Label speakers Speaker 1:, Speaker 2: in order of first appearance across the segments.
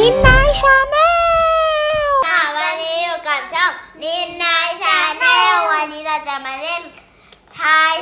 Speaker 1: นินนายชาแนล
Speaker 2: วันนี้อยู่กับช่องนินนายชาแนลวันนี้เราจะมาเล่นทาย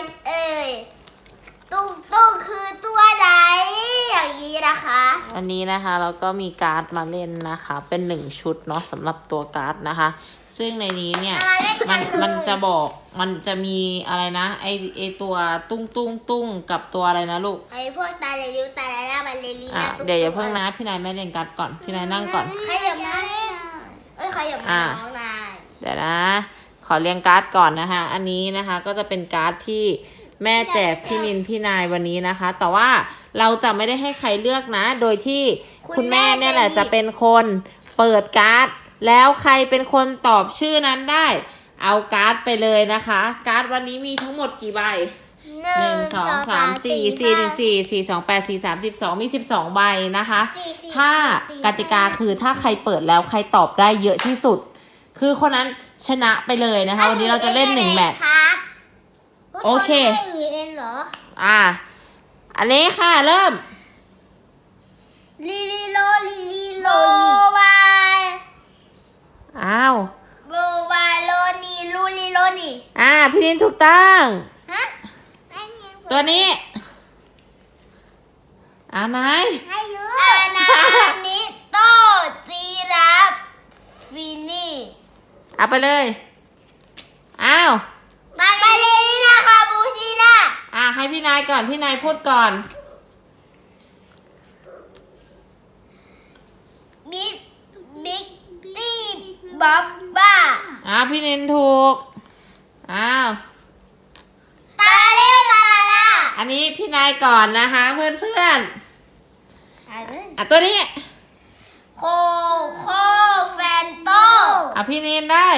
Speaker 2: ตุ้งคือตัวไหนอย่างนี้นะคะ
Speaker 1: อันนี้นะคะเราก็มีการ์ดมาเล่นนะคะเป็น1ชุดเนาะสำหรับตัวการ์ดนะคะซึ่งในนี้เนี่ยมันจะบอกมันจะมีอะไรนะไอตัวตุ้งกับตัวอะไรนะลูก
Speaker 2: ไอพวกตาเรลิวตาเรล่าบัลเลริน่า
Speaker 1: เดี๋ยวอย่าเพิ่งนะพี่นายแม่เล่นการ์ดก่อนพี่นายนั่งก่อน
Speaker 2: ใครอย่ามาเล่นใครอย่ามาน้องนาย
Speaker 1: เดี๋ยวนะขอเรียงการ์ดก่อนนะคะอันนี้นะคะก็จะเป็นการ์ดที่แม่แจกพี่นินพี่นายวันนี้นะคะแต่ว่าเราจะไม่ได้ให้ใครเลือกนะโดยที่คุณแม่เนี่ยแหละจะเป็นคนเปิดการ์ดแล้วใครเป็นคนตอบชื่อนั้นได้เอาการ์ดไปเลยนะคะการ์ดวันนี้มีทั้งหมดกี่ใบ1 2 3 4 4 1 4 4 2 8 4 3 12มี12ใบนะคะถ้ากติกาคือถ้าใครเปิดแล้วใครตอบได้เยอะที่สุดคือคนนั้นชนะไปเลยนะคะวันนี้เราจะเล่น1แมตช์โอเคอันนี้ค่ะเริ่ม
Speaker 2: ลิโลบาย
Speaker 1: อ้าว
Speaker 2: โบบายโลนีลูลิโลนี
Speaker 1: พี่นินถูกต้องตัวนี้ไหน
Speaker 2: นานิโตจีราฟฟินี่
Speaker 1: เอาไปเลย
Speaker 2: มาเลยนี่นะคะบูชิน่า
Speaker 1: ให้พี่นายก่อนพี่นายพูดก่อน
Speaker 2: บิ๊กตี้บ๊อบบ้า
Speaker 1: พี่นินถูก
Speaker 2: ตาเล่ลาลา
Speaker 1: อันนี้พี่นายก่อนนะคะเพื่อนตัวนี้
Speaker 2: โคแฟนโต
Speaker 1: พี่นินได้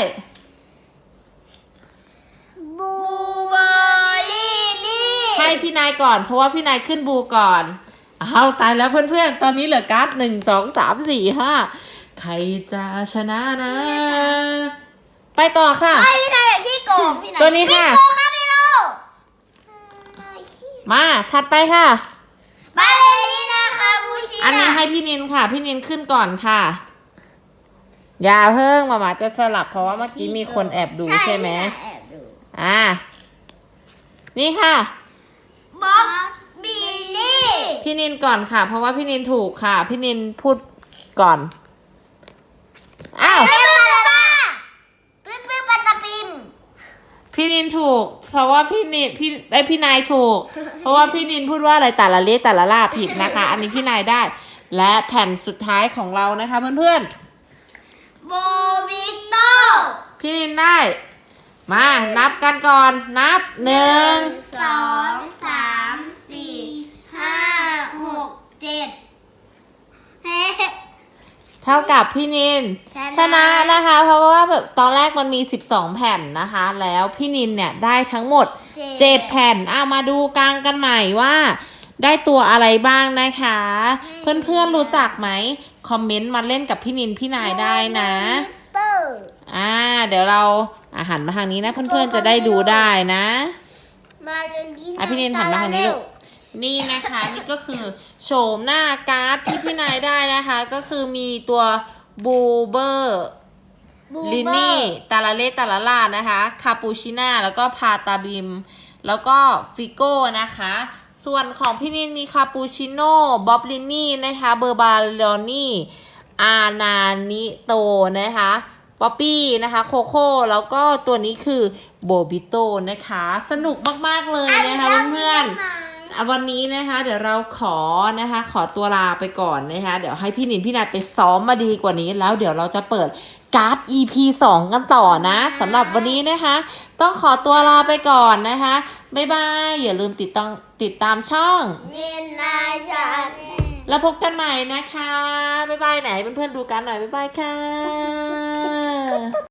Speaker 2: บูเบอร์ลี่นี่
Speaker 1: ให้พี่นายก่อนเพราะว่าพี่นายขึ้นบูก่อนตายแล้วเพื่อนๆตอนนี้เหลือการ์ด1 2 3 4 5ใครจะชนะนะไปต่อค่ะ
Speaker 2: พี่นายอย่าขี้โกงพี่นาย
Speaker 1: ตัวนี้ค่ะ
Speaker 2: พี่โล
Speaker 1: มาถัดไปค่ะ
Speaker 2: บาเลริน่าคาบูชิ
Speaker 1: อันนี้ให้พี่นินค่ะพี่นินขึ้นก่อนค่ะอย่าเพิ่งมาจะสลับเพราะว่าเมื่อกี้มีคนแอบดูใช่ไหมนี่ค่ะ
Speaker 2: บ๊อบบิลลี่
Speaker 1: พี่นินก่อนค่ะเพราะว่าพี่นินถูกค่ะพี่นินพูดก่อนพี่นินถูกเพราะว่าพี่นายถูกเพราะว่าพี่นินพูดว่าอะไรแต่ละเลขแต่ละล่าผิดนะคะอันนี้พี่นายได้และแผ่นสุดท้ายของเรานะคะเพื่อน
Speaker 2: ๆโบวิโต
Speaker 1: พี่นินได้มานับกันก่อนนับ1
Speaker 2: 2 3 4 5 6 7
Speaker 1: เท่ากับพี่นินชนะนะคะเพราะว่าแบบตอนแรกมันมี12แผ่นนะคะแล้วพี่นินเนี่ยได้ทั้งหมด7แผ่นมาดูกลางกันใหม่ว่าได้ตัวอะไรบ้างนะคะเพื่อนๆรู้จักไหมคอมเมนต์มาเล่นกับพี่นินพี่นายได้นะเดี๋ยวเราหันมาทางนี้นะเพื่อนๆจะได้ดูได้นะพี่นินหันมาทางนี้ลูกนี่นะคะนี่ก็คือโฉมหน้าการ์ดที่พี่นายได้นะคะก็คือมีตัวบูเบอร์ลินี่ตาลาเล่ตาลาล่านะคะคาปูชิน่าแล้วก็พาตาบิมแล้วก็ฟิโก้นะคะส่วนของพี่นินมีคาปูชิโน่บ๊อบลินี่นะคะเบอร์บาลอนี่อานานิโตนะคะป๊อปปี้นะคะโคโค่แล้วก็ตัวนี้คือโบบิโตนะคะสนุกมากๆเลยนะคะเพื่อนๆวันนี้นะคะเดี๋ยวเราขอตัวลาไปก่อนนะคะเดี๋ยวให้พี่นินพี่นายไปซ้อมมาดีกว่านี้แล้วเดี๋ยวเราจะเปิดการ์ด EP 2กันต่อนะสำหรับวันนี้นะคะต้องขอตัวลาไปก่อนนะคะบ๊ายบายอย่าลืมติดตามช่อง
Speaker 2: นินนายชาแนล
Speaker 1: แล้วพบกันใหม่นะคะบ๊ายบายไหนเพื่อนๆดูกันหน่อยบ๊ายบายค่ะ